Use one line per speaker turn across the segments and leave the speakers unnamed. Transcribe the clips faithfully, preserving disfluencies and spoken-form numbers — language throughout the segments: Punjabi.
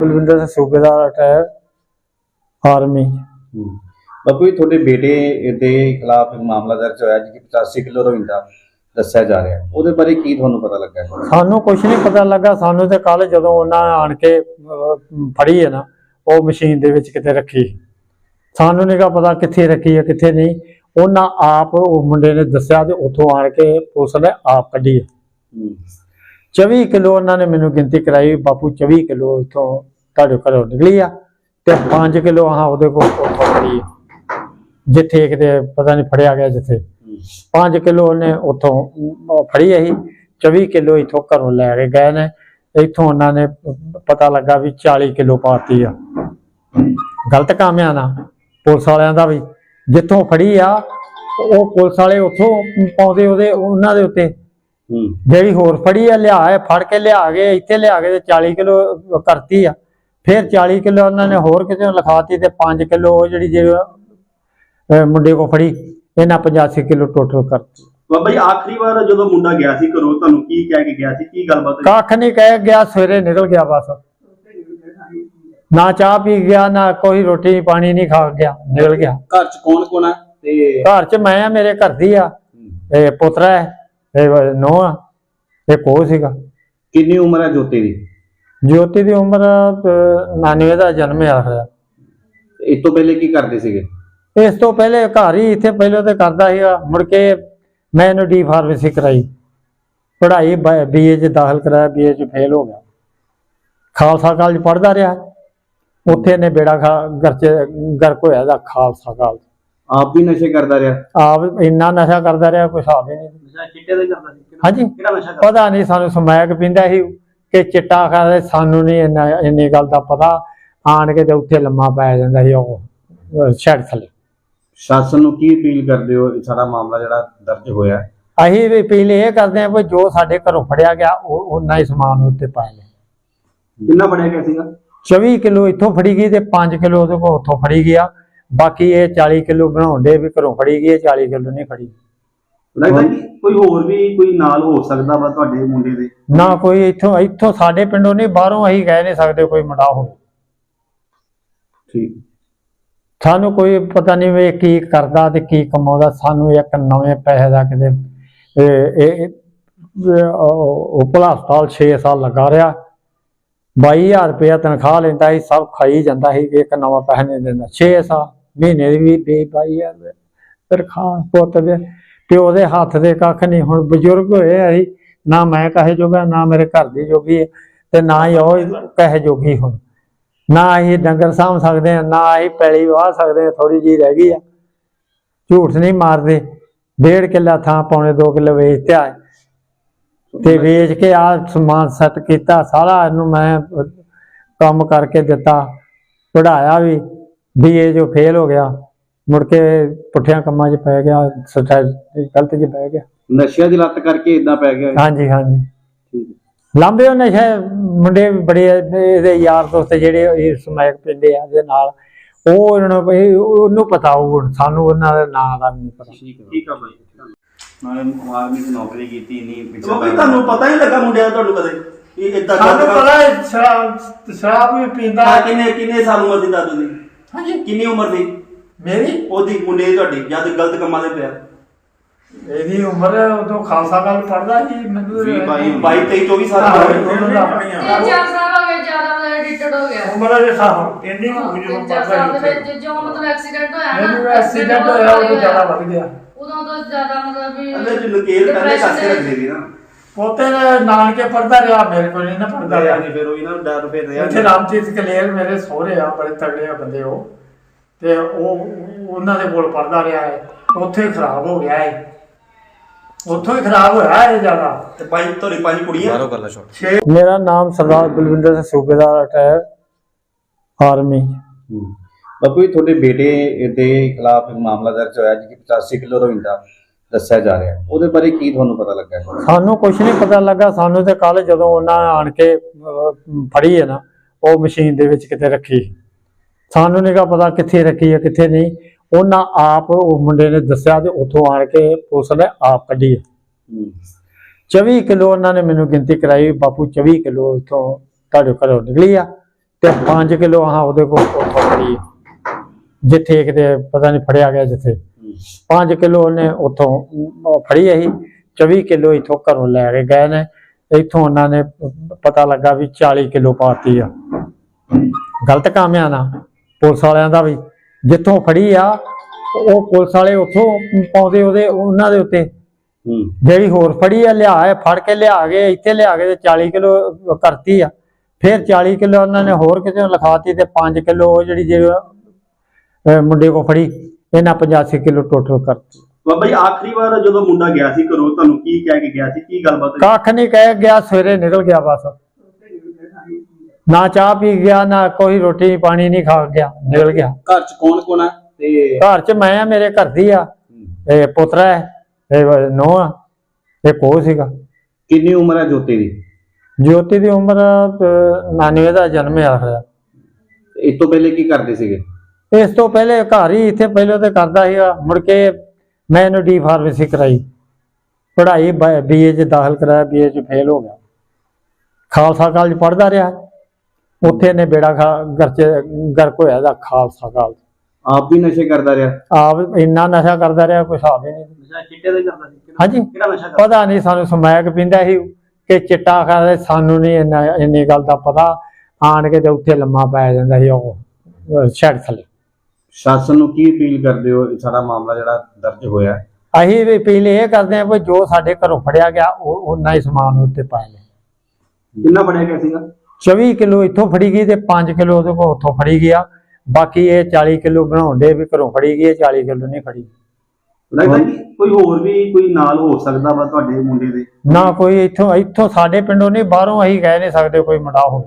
बलविंदर सिंह सूबेदार रिटायर आर्मी।
बापू जी थोड़े बेटे के खिलाफ एक मामला दर्ज होया जी पचासी किलो रोइंदा दस्या जा रहा है, ਉਹਦੇ ਬਾਰੇ ਕੀ ਤੁਹਾਨੂੰ ਪਤਾ ਲੱਗਾ?
ਸਾਨੂੰ ਕੁਝ ਨਹੀਂ ਪਤਾ ਲੱਗਾ। ਸਾਨੂੰ ਤੇ ਕੱਲ ਜਦੋਂ ਉਹਨਾਂ ਆਣ ਕੇ ਫੜੀ ਹੈ ਨਾ, ਉਹ ਮਸ਼ੀਨ ਦੇ ਵਿੱਚ ਕਿਤੇ ਰੱਖੀ, ਸਾਨੂੰ ਨਹੀਂ ਗਾ ਪਤਾ ਕਿੱਥੇ ਰੱਖੀ ਹੈ ਕਿੱਥੇ ਨਹੀਂ। ਉਹਨਾਂ ਆਪ ਉਹ ਮੁੰਡੇ ਨੇ ਦੱਸਿਆ ਤੇ ਉੱਥੋਂ ਆਣ ਕੇ ਪੁਲਿਸ ਨੇ ਆਪ ਕੱਢੀ ਹੈ। ਚੌਵੀ ਕਿਲੋ ਉਹਨਾਂ ਨੇ ਮੈਨੂੰ ਗਿਣਤੀ ਕਰਾਈ, ਬਾਪੂ ਚੌਵੀ ਕਿਲੋ ਇੱਥੋਂ ਤੁਹਾਡੇ ਘਰੋਂ ਨਿਕਲੀ ਆ ਤੇ ਪੰਜ ਕਿਲੋ ਆਹ ਉਹਦੇ ਕੋਲ ਉੱਥੋਂ ਫੜੀ ਹੈ, ਜਿੱਥੇ ਕਿਤੇ ਪਤਾ ਨਹੀਂ ਫੜਿਆ ਗਿਆ ਜਿੱਥੇ। पांच किलो उन्हें उतों फड़ी ही, चौबी किलो इतों घरों लैके गए ने। इतों उन्होंने पता लगा भी चाली किलो पाती आ। गलत काम है ना पुलिस वालियां दा भी, जितों फड़ी आ वो पुलिस वाले उतों पाउंदे ओहदे उन्हां दे उत्ते जेड़ी होर फड़ी आ लिया फड़ के लिया के इत्थे लिया के चाली किलो करती आ। फिर चाली किलो उन्होंने होर किते लिखाती ते पांच किलो जिहड़ी जे मुंडे को फड़ी इन्हां पचासी किलो टोटल कर।
बाबा जी आखिरी बार जो मुंडा गया सी घरों तुहानूं की कह के गया सी, की गलबात?
कख नहीं कह गया, सवेरे निकल गया बस। ना चाह पी गया ना कोई रोटी पानी नहीं खा गया, निकल गया।
घर च कौन कौन है?
घर च मैं मेरे घर दी आ, पुत्रा है, नौ एक हो सीगा।
कितनी उम्र है जोती दी?
ज्योति की उम्र नानवे का जन्म आ।
इस तो पहले की करते सीगे?
इस तो पहले घर ही इतने पहले तो करता ही, मुड़ के मैं इन्हू डी फार्मेसी कराई, पढ़ाई बी ए च दाखिल कराया, बी ए च फेल हो गया। खालसा कॉलेज पढ़ता रहा, उत्थे ने बेड़ा खा घर च गर्क होया खालसा कॉलेज।
आप भी नशे करता रहा?
आप इन्ना नशा करता रहा कोई हिसाब ही नहीं। हाँ जी पता नहीं, सानू समैक पींदा ही कि चिट्टा खादा, सानू नहीं इन्ना इन्नी गल दा पता। आन के ते उत्थे लम्मा पै जांदा ही ओह शैड थले।
शासन नूं की अपील करदे हो सारा मामला जिहड़ा दर्ज होया?
असीं भी अपील ये करते हैं भी जो साडे घरों फड़िया गया उन्ना ही समान उत्ते पाए ले।
कितना फड़िया गया सीगा?
चौबी किलो इत्थों फड़ी गई ते पांच किलो उहदे कोल उत्थों फड़ी गया। बाकी ये चाली किलो बनाउण दे भी घरों फड़ी गई, चाली किलो नहीं फड़ी।
लगदा कि कोई होर भी कोई नाल हो सकदा वा तुहाडे मुंडे दे?
ना कोई इत्थों इत्थों साडे पिंडों नहीं, बाहरों असीं कह नहीं सकदे कोई मुंडा होवे।
ठीक
सानू कोई पता नहीं वे की करदा ते की कमाउंदा। सानू एक नवे पैसे दा किते उपला हस्पताल छे साल लगा रहा, बाई हजार रुपया तनख्वाह लेंदा ही, सब खाई जांदा ही, एक नवा पैसा नहीं देंदा। छे साल महीने दी भी बाई हजार तनख्वाह, पुत्त दे प्यो दे हत्थ दे कख नहीं। हुण बजुर्ग होए असीं, ना मैं कहे जोगा ना मेरे घर दी जोगी है ते ना ही ओह कहे जोगी। हुण ना असीं डंगर साम सकते हैं, ना असीं पैली वाह सकते हैं, थोड़ी जी रह गई है। झूठ नहीं मारते, डेढ़ किला थां पौने दो किलो वेचते आए ते वेच के आ समान सैट किया सारा। इनू मैं काम करके दिता, पढ़ाया भी, बी ए जो फेल हो गया, मुड़ के पुठिया कामां च पै गया, गलत च पै गया,
नशिया दी लत करके इदां पै गया।
हाँ जी हाँ जी लांबे हो नशे मुंडे बड़े इहदे यार दोस्त जिहड़े समैक पींदे आ दे नाल, ओह इन्हां नूं ओहनूं पता होऊ, सानूं उन्हां दे नां दा नहीं पता।
ठीक है भाई, मैं आर्मी च नौकरी कीती नहीं पिछले भाई तुहानूं पता ही लगा मुंडे दा तुहानूं कदे ये इदां
सानूं पता है शराब शराब भी पींदा।
किन्ने किन्ने साल उम्र सी दादू दी?
हां जी
किन्नी उम्र सी
मेरी?
ओदी मुंडे दी तुहाडी जद गलत कमां दे पिया?
ਇਹਦੀ ਉਮਰ ਉਦੋਂ ਖਾਲਸਾ ਕਾਲਜ ਪੜਦਾ ਸੀ। ਮੈਨੂੰ
ਬਾਈ ਤੇਈ ਚੌਵੀ ਸਾਲ ਦੀ
ਉਮਰ ਆਪਣੀ ਆ।
ਚਾਰ ਸਾਲ ਹੋ ਗਏ, ਜ਼ਿਆਦਾ ਮਤਲਬ ਐਡਿਕਟਡ ਹੋ ਗਿਆ।
ਉਮਰ ਦੇ ਸਾਹ ਇੰਨੀ ਹੋ ਗਈ ਜਦੋਂ
ਚਾਰ ਸਾਲ ਦੇ
ਪੜਦਾ
ਵਿੱਚ ਜੋ ਮਤਲਬ ਐਕਸੀਡੈਂਟ ਹੋਇਆ ਨਾ,
ਮੈਨੂੰ ਐਕਸੀਡੈਂਟ ਹੋਇਆ ਉਹ ਜ਼ਿਆਦਾ ਵੱਧ ਗਿਆ।
ਉਦੋਂ ਤੋਂ ਜ਼ਿਆਦਾ ਮਤਲਬ ਵੀ
ਅੰਦਰ ਜੋ ਨਕੇਲ ਪਹਿਲੇ ਕਾਸੇ ਰੱਖਦੇ ਸੀ ਨਾ।
ਪੋਤੇ ਨੇ ਨਾਨਕੇ ਪੜਦਾ ਰਿਹਾ, ਮੇਰੇ ਕੋਲ ਨਹੀਂ ਨਾ ਪੜਦਾ ਰਿਹਾ।
ਨਹੀਂ ਫਿਰ ਉਹ ਇਹਨਾਂ ਨੂੰ ਡਰ ਫਿਰ ਰਿਹਾ।
ਇੱਥੇ ਰਾਮਚੀਤ ਕਲੇਰ ਮੇਰੇ ਸਹੁਰੇ ਆ, ਬੜੇ ਤਗੜੇ ਆ ਬੰਦੇ ਉਹ, ਤੇ ਉਹ ਉਹਨਾਂ ਦੇ ਕੋਲ ਪੜਦਾ ਰਿਹਾ ਹੈ। ਉੱਥੇ ਖਰਾਬ ਹੋ ਗਿਆ ਹੈ, ਉੱਥੋਂ ਹੀ ਖਰਾਬ ਹੋਇਆ ਹੈ ਜ਼ਿਆਦਾ।
ਤੇ ਪੰਜ ਤੁਹਾਡੀ ਪੰਜ ਕੁੜੀਆਂ ਬਾਹਰੋਂ ਕਰ ਲੈ ਛੋਟ।
ਮੇਰਾ ਨਾਮ ਸਰਦਾਰ ਬਲਵਿੰਦਰ ਸਿੰਘ सूबेदार रिटायर आर्मी।
बापू जी थोड़े बेटे के खिलाफ एक मामला दर्ज होया जी पचासी किलो रोइंदा दस्या जा रहा है, ਉਹਦੇ ਬਾਰੇ ਕੀ ਤੁਹਾਨੂੰ ਪਤਾ ਲੱਗਾ?
ਸਾਨੂੰ ਕੁਝ ਨਹੀਂ ਪਤਾ ਲੱਗਾ। ਸਾਨੂੰ ਤੇ ਕੱਲ ਜਦੋਂ ਉਹਨਾਂ ਆਣ ਕੇ ਫੜੀ ਹੈ ਨਾ, ਉਹ ਮਸ਼ੀਨ ਦੇ ਵਿੱਚ ਕਿਤੇ ਰੱਖੀ, ਸਾਨੂੰ ਨਹੀਂ ਗਾ ਪਤਾ ਕਿੱਥੇ ਰੱਖੀ ਹੈ ਕਿੱਥੇ ਨਹੀਂ। ਉਹਨਾਂ ਆਪ ਉਹ ਮੁੰਡੇ ਨੇ ਦੱਸਿਆ ਤੇ ਉੱਥੋਂ ਆਣ ਕੇ ਪੁਲਿਸ ਨੇ ਆਪ ਕੱਢੀ ਹੈ। ਚੌਵੀ ਕਿਲੋ ਉਹਨਾਂ ਨੇ ਮੈਨੂੰ ਗਿਣਤੀ ਕਰਾਈ, ਬਾਪੂ ਚੌਵੀ ਕਿਲੋ ਇੱਥੋਂ ਤੁਹਾਡੇ ਘਰੋਂ ਨਿਕਲੀ ਆ ਤੇ ਪੰਜ ਕਿਲੋ ਆਹ ਉਹਦੇ ਕੋਲ ਉੱਥੋਂ ਫੜੀ ਆ। ਜਿੱਥੇ ਕਿਤੇ ਪਤਾ ਨਹੀਂ ਫੜਿਆ ਗਿਆ ਜਿੱਥੇ ਪੰਜ ਕਿਲੋ ਉਹਨੇ ਉੱਥੋਂ ਅਮ, ਫੜੀ ਅਸੀਂ ਚੌਵੀ ਕਿਲੋ ਇੱਥੋਂ ਘਰੋਂ ਲੈ ਕੇ ਗਏ ਨੇ। ਇੱਥੋਂ ਉਹਨਾਂ ਨੇ ਪਤਾ ਲੱਗਾ ਵੀ ਚਾਲੀ ਕਿਲੋ ਪਾਤੀ ਆ। ਗਲਤ ਕੰਮ ਆ ਨਾ ਪੁਲਿਸ ਵਾਲਿਆਂ ਦਾ ਵੀ, ਜਿੱਥੋਂ ਫੜੀ ਆ ਉਹ ਪੁਲਿਸ ਵਾਲੇ ਉੱਥੋਂ ਪਾਉਂਦੇ ਉਹਦੇ ਉਹਨਾਂ ਦੇ ਉੱਤੇ। ਜਿਹੜੀ ਹੋਰ ਫੜੀ ਆ ਲਿਆ ਹੈ ਫੜ ਕੇ ਲਿਆ ਕੇ ਇੱਥੇ ਲਿਆ ਕੇ ਤੇ ਚਾਲੀ ਕਿਲੋ ਕਰਤੀ ਆ। ਫਿਰ ਚਾਲੀ ਕਿਲੋ ਉਹਨਾਂ ਨੇ ਹੋਰ ਕਿਤੇ ਲਿਖਾਤੀ ਤੇ ਪੰਜ ਕਿਲੋ ਉਹ ਜਿਹੜੀ ਜੇ ਮੁੰਡੇ ਕੋ ਫੜੀ ਇਹਨਾਂ ਪਚਾਸੀ ਕਿਲੋ ਟੋਟਲ ਕਰਤੀ।
ਬਾਬਾ ਜੀ ਆਖਰੀ ਵਾਰ ਜਦੋਂ ਮੁੰਡਾ ਗਿਆ ਸੀ ਘਰੋਂ ਤੁਹਾਨੂੰ ਕੀ ਕਹਿ ਕੇ ਗਿਆ ਸੀ, ਕੀ ਗੱਲਬਾਤ ਹੋਈ?
ਕੱਖ ਨਹੀਂ ਕਹਿ ਗਿਆ, ਸਵੇਰੇ ਨਿਕਲ ਗਿਆ ਬਸ। ਨਾ ਚਾਹ ਪੀ ਗਿਆ ਨਾ ਕੋਈ ਰੋਟੀ ਪਾਣੀ ਨਹੀਂ ਖਾ ਗਿਆ, ਨਿਕਲ ਗਿਆ।
ਘਰ ਚ ਕੌਣ ਕੌਣ ਹੈ? ਤੇ
ਘਰ ਚ ਮੈਂ ਆ, ਮੇਰੇ ਘਰ ਦੀ ਆ, ਇਹ ਪੁੱਤਰਾ ਹੈ, ਇਹ ਨੂੰਹ ਆ, ਇਹ ਕੋ ਸੀਗਾ।
ਕਿੰਨੀ ਉਮਰ ਹੈ ਜੋਤੀ ਦੀ?
ਜੋਤੀ ਦੀ ਉਮਰ ਨਾਨਵੇਂ ਦਾ ਜਨਮ ਆ ਹੋਇਆ।
ਇਸ ਤੋਂ ਪਹਿਲੇ ਕੀ ਕਰਦੇ ਸੀਗੇ?
ਇਸ ਤੋਂ ਪਹਿਲੇ ਘਰ ਹੀ ਇੱਥੇ ਪਹਿਲਾਂ ਤੇ ਕਰਦਾ ਸੀਗਾ, ਮੁੜ ਕੇ ਮੈਂ ਇਹਨੂੰ ਡੀ ਫਾਰਮੇਸੀ ਕਰਾਈ, ਪੜ੍ਹਾਈ ਬੀਏ ਚ ਦਾਖਲ ਕਰਾਇਆ, ਬੀਏ ਚ ਫੇਲ ਹੋ ਗਿਆ। ਖਾਲਸਾ ਕਾਲਜ ਪੜ੍ਹਦਾ ਰਿਹਾ, ਉੱਥੇ ਇਹਨੇ ਬੇੜਾ ਖਾ ਘਰ ਚ ਗਰਕ ਹੋਇਆ ਦਾ ਖਾਲਸਾ ਕਾਲਜ।
ਆਪ ਵੀ ਨਸ਼ੇ ਕਰਦਾ ਰਿਹਾ?
ਆਪ ਇੰਨਾ ਨਸ਼ਾ ਕਰਦਾ ਰਿਹਾ ਕੋਈ ਹਿਸਾਬ ਹੀ ਨਹੀਂ।
ਨਸ਼ਾ ਚਿੱਟੇ ਦਾ ਹੀ ਕਰਦਾ ਸੀ?
ਹਾਂਜੀ,
ਕਿਹੜਾ ਨਸ਼ਾ ਕਰਦਾ?
ਪਤਾ ਨਹੀਂ ਸਾਨੂੰ, ਸਮੈਕ ਪੀਂਦਾ ਸੀ ਕਿ ਚਿੱਟਾ ਖਾਦਾ, ਸਾਨੂੰ ਨਹੀਂ ਇੰਨਾ ਇੰਨੀ ਗੱਲ ਦਾ ਪਤਾ। ਆਣ ਕੇ ਤੇ ਉੱਥੇ ਲੰਮਾ ਪੈ ਜਾਂਦਾ ਸੀ ਉਹ ਛੱਡ ਥੱਲੇ।
ਸ਼ਾਸਨ ਨੂੰ ਕੀ ਅਪੀਲ ਕਰਦੇ ਹੋ? ਇਹ ਸਾਰਾ ਮਾਮਲਾ ਜਿਹੜਾ ਦਰਜ ਹੋਇਆ,
ਅਸੀਂ ਵੀ ਅਪੀਲ ਇਹ ਕਰਦੇ ਹਾਂ ਵੀ ਜੋ ਸਾਡੇ ਘਰੋਂ ਫੜਿਆ ਗਿਆ ਉਹ ਉਨਾ ਹੀ ਸਮਾਨ ਉੱਤੇ ਪਾ ਲੈ।
ਕਿੰਨਾ ਫੜਿਆ ਗਿਆ ਸੀਗਾ?
ਚੌਵੀ ਕਿਲੋ ਇੱਥੋਂ ਫੜੀ ਗਈ ਤੇ ਪੰਜ ਕਿਲੋ ਉਹਦੇ ਕੋਲ ਉੱਥੋਂ ਫੜੀ ਗਿਆ। ਬਾਕੀ ਇਹ ਚਾਲੀ ਕਿਲੋ ਬਣਾਉਣ ਦੇ ਵੀ ਘਰੋਂ ਫੜੀ ਗਈ, ਚਾਲੀ ਕਿਲੋ ਨਹੀਂ ਫੜੀ।
ਲੱਗਦਾ ਕਿ ਕੋਈ ਹੋਰ ਵੀ ਕੋਈ ਨਾਲ ਹੋ ਸਕਦਾ ਵਾ ਤੁਹਾਡੇ ਮੁੰਡੇ ਦੇ?
ਨਾ ਕੋਈ ਇੱਥੋਂ ਇੱਥੋਂ ਸਾਡੇ ਪਿੰਡੋਂ ਨਹੀਂ, ਬਾਹਰੋਂ ਅਸੀਂ ਕਹਿ ਨਹੀਂ ਸਕਦੇ ਕੋਈ ਮੁੰਡਾ ਹੋਵੇ।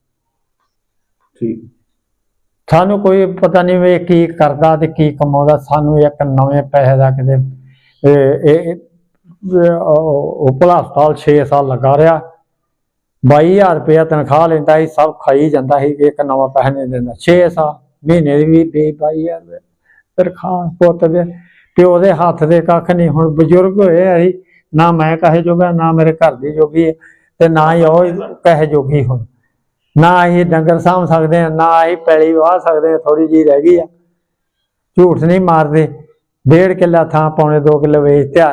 ਠੀਕ,
ਸਾਨੂੰ ਕੋਈ ਪਤਾ ਨਹੀਂ ਵੀ ਇਹ ਕੀ ਕਰਦਾ ਤੇ ਕੀ ਕਮਾਉਂਦਾ। ਸਾਨੂੰ ਇੱਕ ਨਵੇਂ ਪੈਸੇ ਦਾ ਕਿਤੇ ਇਹ ਇਹ- ਇਹ ਉਪਲਾ ਹਸਪਤਾਲ ਛੇ ਸਾਲ ਲੱਗਾ ਰਿਹਾ, ਬਾਈ ਹਜ਼ਾਰ ਰੁਪਇਆ ਤਨਖਾਹ ਲੈਂਦਾ ਸੀ, ਸਭ ਖਾਈ ਜਾਂਦਾ ਸੀ, ਇੱਕ ਨਵਾਂ ਪੈਸਾ ਨਹੀਂ ਦਿੰਦਾ। ਛੇ ਸਾਲ ਮਹੀਨੇ ਦੀ ਵੀ ਵੀਹ ਬਾਈ ਹਜ਼ਾਰ ਤਨਖਾਹ ਪੁੱਤ ਦੇ ਪਿਓ ਦੇ ਹੱਥ ਦੇ ਕੱਖ ਨਹੀਂ। ਹੁਣ ਬਜ਼ੁਰਗ ਹੋਏ ਅਸੀਂ, ਨਾ ਮੈਂ ਕਹੇ ਜੋਗਾ, ਨਾ ਮੇਰੇ ਘਰ ਦੀ ਜੋਗੀ ਹੈ, ਤੇ ਨਾ ਹੀ ਉਹ ਕਹੇ ਜੋਗੀ। ਹੁਣ ਨਾ ਅਸੀਂ ਡੰਗਰ ਸਾਂਭ ਸਕਦੇ ਹਾਂ, ਨਾ ਅਸੀਂ ਪੈਲੀ ਵਾਹ ਸਕਦੇ ਹਾਂ, ਥੋੜੀ ਜਿਹੀ ਰਹਿ ਗਈ ਆ। ਝੂਠ ਨਹੀਂ ਮਾਰਦੇ, ਡੇਢ ਕਿੱਲਾ ਥਾਂ ਪੌਣੇ ਦੋ ਕਿੱਲੇ ਵੇਚਤਿਆ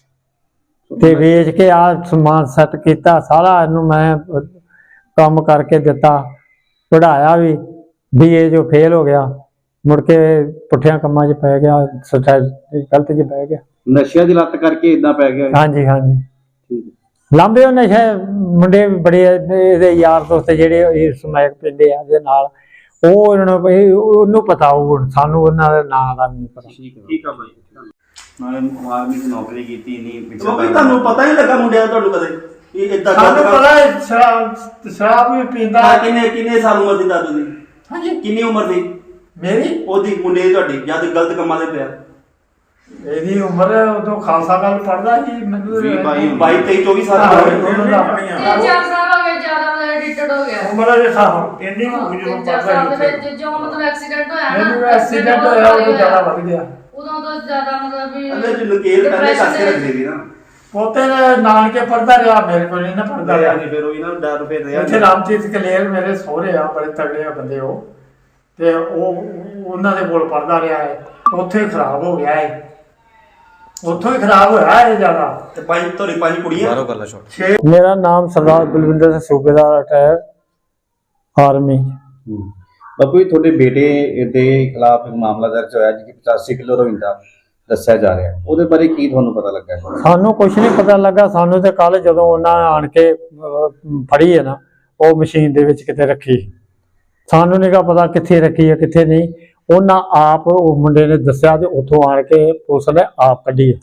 ਤੇ ਵੇਚ ਕੇ ਆ ਸਮਾਨ ਸੈੱਟ ਕੀਤਾ ਸਾਰਾ। ਇਹਨੂੰ ਮੈਂ ਕੰਮ ਕਰਕੇ ਦਿੱਤਾ, ਪੜ੍ਹਾਇਆ ਵੀ, ਬੀਏ ਜੋ ਫੇਲ ਹੋ ਗਿਆ, ਮੁੜ ਕੇ ਪੁੱਠਿਆਂ ਕੰਮਾਂ 'ਚ ਪੈ ਗਿਆ, ਸੱਚਾ ਗਲਤ 'ਚ ਪੈ ਗਿਆ।
ਨਸ਼ਿਆਂ ਦੀ ਲੱਤ ਕਰਕੇ ਇਦਾਂ ਪੈ ਗਿਆ?
ਹਾਂਜੀ ਹਾਂਜੀ,
ਠੀਕ,
ਲਾਂਬੇ ਉਹ ਨਸ਼ੇ ਮੁੰਡੇ ਵੀ ਬੜੇ, ਇਹਦੇ ਯਾਰ ਦੋਸਤ ਜਿਹੜੇ ਇਹ ਸਮੈਕ ਪੀਂਦੇ ਆ ਇਹਦੇ ਨਾਲ, ਉਹ ਇਹਨਾਂ ਨੂੰ ਇਹ- ਉਹਨੂੰ ਪਤਾ ਹੋਊ, ਸਾਨੂੰ ਉਹਨਾਂ ਦੇ ਨਾਂ ਦਾ ਨਹੀਂ ਪਤਾ।
ਠੀਕ ਆ ਬਾਈ।
ਨਾਲੇ ਆਰਮੀ ਦੀ ਨੌਕਰੀ ਕੀਤੀ ਨਹੀਂ
ਬਾਬਾ ਜੀ ਤੁਹਾਨੂੰ ਪਤਾ ਨਹੀਂ ਲੱਗਾ ਮੁੰਡਿਆਂ ਦਾ ਤੁਹਾਨੂੰ ਕਦੇ ਇਹ ਇਦਾਂ
ਸਾਨੂੰ ਪਤਾ ਹੈ ਸ਼ਰਾਬ ਸ਼ਰਾਬ ਵੀ ਪੀਂਦਾ।
ਕਿੰਨੇ ਕਿੰਨੇ ਸਾਲ ਉਮਰ ਸੀ ਦਾਦੂ ਦੀ?
ਹਾਂਜੀ,
ਕਿੰਨੀ ਉਮਰ ਸੀ
ਮੇਰੀ
ਉਹਦੀ ਮੁੰਡੇ ਦੀ ਤੁਹਾਡੀ ਜਦ ਗਲਤ ਕੰਮਾਂ ਦੇ ਪਿਆ?
ਇਹਦੀ ਉਮਰ ਉਦੋਂ ਖਾਲਸਾ ਕਾਲ ਪੜਦਾ ਸੀ, ਮੈਨੂੰ
ਬਾਈ ਬਾਈ ਤੇਈ ਚੌਵੀ ਸਾਲ ਦਾ
ਤਿੰਨ ਚਾਰ ਸਾਲ ਹੋ ਗਏ, ਜ਼ਿਆਦਾ ਮਤਲਬ ਐਡਿਕਟਡ ਹੋ ਗਿਆ।
ਉਮਰ ਦੇ ਸਾਹ ਇੰਨੀ ਕੁ ਜਦੋਂ
ਤਿੰਨ ਚਾਰ ਸਾਲ ਦੇ
ਪੜਦਾ
ਵਿੱਚ ਜੋ ਮਤਲਬ ਐਕਸੀਡੈਂਟ ਹੋਇਆ ਨਾ,
ਮੈਨੂੰ ਐਕਸੀਡੈਂਟ ਹੋਇਆ ਉਦੋਂ ਜ਼ਿਆਦਾ ਵੱਧ ਗਿਆ।
ਉਦੋਂ ਤੋਂ ਜ਼ਿਆਦਾ ਮਤਲਬ ਵੀ
ਅੰਦਰ ਚ ਨਕੇਲ ਪਹਿਲੇ
depression
ਕਰਕੇ
ਦੇ-
ਰੱਖਦੇ ਸੀ ਨਾ।
ਪੋਤੇ ਨੇ ਨਾਨਕੇ ਪੜਦਾ ਰਿਹਾ, ਮੇਰੇ ਕੋਲ ਨਹੀਂ ਨਾ ਪੜਦਾ ਰਿਹਾ।
ਨਹੀਂ ਫਿਰ ਉਹ ਇਹਨਾਂ ਡਰ ਫਿਰ ਰਿਹਾ
ਇੱਥੇ ਰਾਮਚੀਤ ਕਲੇਰ ਮੇਰੇ ਸਹੁਰੇ ਆ, ਬੜੇ ਤਗੜੇ ਆ ਬੰਦੇ ਉਹ, ਤੇ ਉਹ ਉਹਨਾਂ ਦੇ ਕੋਲ ਪੜਦਾ ਰਿਹਾ ਹੈ, ਉੱਥੇ ਹੀ ਖਰਾਬ ਹੋ ਗਿਆ ਹੈ, ਉੱਥੋਂ ਹੀ ਖਰਾਬ ਹੋਇਆ ਇਹ ਜ਼ਿਆਦਾ।
ਤੇ ਪੰਜ ਤੁਹਾਡੀ ਪੰਜ ਕੁੜੀਆਂ?
ਬਾਹਰੋਂ ਕਰ ਲਾ ਸ਼ਾਟ।
ਮੇਰਾ ਨਾਮ ਸਰਦਾਰ ਬਲਵਿੰਦਰ ਸਿੰਘ ਸੂਬੇਦਾਰ ਰਿਟਾਇਰ ਆਰਮੀ।
ਬਾਪੂ ਜੀ ਤੁਹਾਡੇ ਬੇਟੇ ਦੇ ਖਿਲਾਫ ਇੱਕ ਮਾਮਲਾ ਦਰਜ ਹੋਇਆ ਜਿਹਦੀ ਪਚਾਸੀ ਕਿਲੋ ਰੋਇੰਦਾ ਦੱਸਿਆ ਜਾ ਰਿਹਾ, ਉਹਦੇ ਬਾਰੇ ਕੀ ਤੁਹਾਨੂੰ ਪਤਾ ਲੱਗਾ?
ਸਾਨੂੰ ਕੁਝ ਨਹੀਂ ਪਤਾ ਲੱਗਾ। ਸਾਨੂੰ ਤੇ ਕੱਲ ਜਦੋਂ ਉਹਨਾਂ ਆਣ ਕੇ ਅਹ, ਫੜੀ ਹੈ ਨਾ, ਉਹ ਮਸ਼ੀਨ ਦੇ ਵਿੱਚ ਕਿਤੇ ਰੱਖੀ, ਸਾਨੂੰ ਨਹੀਂ ਗਾ ਪਤਾ ਕਿੱਥੇ ਰੱਖੀ ਹੈ ਕਿੱਥੇ ਨਹੀਂ। ਉਹਨਾਂ ਆਪ ਉਹ ਮੁੰਡੇ ਨੇ ਦੱਸਿਆ ਤੇ ਉੱਥੋਂ ਆਣ ਕੇ ਪੁਲਿਸ ਨੇ ਆਪ ਕੱਢੀ ਹੈ।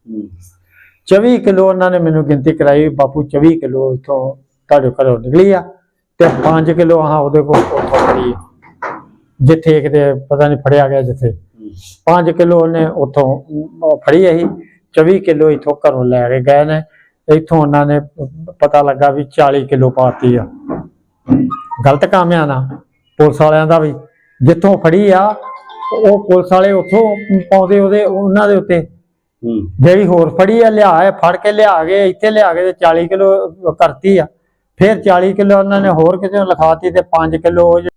ਚੌਵੀ ਕਿਲੋ ਉਹਨਾਂ ਨੇ ਮੈਨੂੰ ਗਿਣਤੀ ਕਰਾਈ, ਬਾਪੂ ਚੌਵੀ ਕਿਲੋ ਇੱਥੋਂ ਤੁਹਾਡੇ ਘਰੋਂ ਨਿਕਲੀ ਆ, ਤੇ ਪੰਜ ਕਿਲੋ ਆਹ ਉਹਦੇ ਕੋਲ ਉੱਥੋਂ ਫੜੀ ਆ, ਜਿੱਥੇ ਕਿਤੇ ਪਤਾ ਨਹੀਂ ਫੜਿਆ ਗਿਆ ਜਿੱਥੇ। ਪੰਜ ਕਿਲੋ ਉਹਨੇ ਉੱਥੋਂ ਅਮ, ਫੜੀ ਅਸੀਂ ਚੌਵੀ ਕਿਲੋ ਇੱਥੋਂ ਘਰੋਂ ਲੈ ਕੇ ਗਏ ਨੇ। ਇੱਥੋਂ ਉਹਨਾਂ ਨੇ ਪਤਾ ਲੱਗਾ ਵੀ ਚਾਲੀ ਕਿਲੋ ਪਾਤੀ ਆ। ਗਲਤ ਕੰਮ ਆ ਨਾ ਪੁਲਿਸ ਵਾਲਿਆਂ ਦਾ ਵੀ, ਜਿੱਥੋਂ ਫੜੀ ਆ ਉਹ ਪੁਲਿਸ ਵਾਲੇ ਉੱਥੋਂ ਪਾਉਂਦੇ ਉਹਦੇ ਉਹਨਾਂ ਦੇ ਉੱਤੇ। ਜਿਹੜੀ ਹੋਰ ਫੜੀ ਆ ਲਿਆ ਹੈ ਫੜ ਕੇ ਲਿਆ ਕੇ ਇੱਥੇ ਲਿਆ ਕੇ ਤੇ ਚਾਲੀ ਕਿਲੋ ਕਰਤੀ ਆ। ਫਿਰ ਚਾਲੀ ਕਿਲੋ ਉਹਨਾਂ ਨੇ ਹੋਰ ਕਿਤੇ ਲਿਖਾਤੀ ਤੇ ਪੰਜ ਕਿਲੋ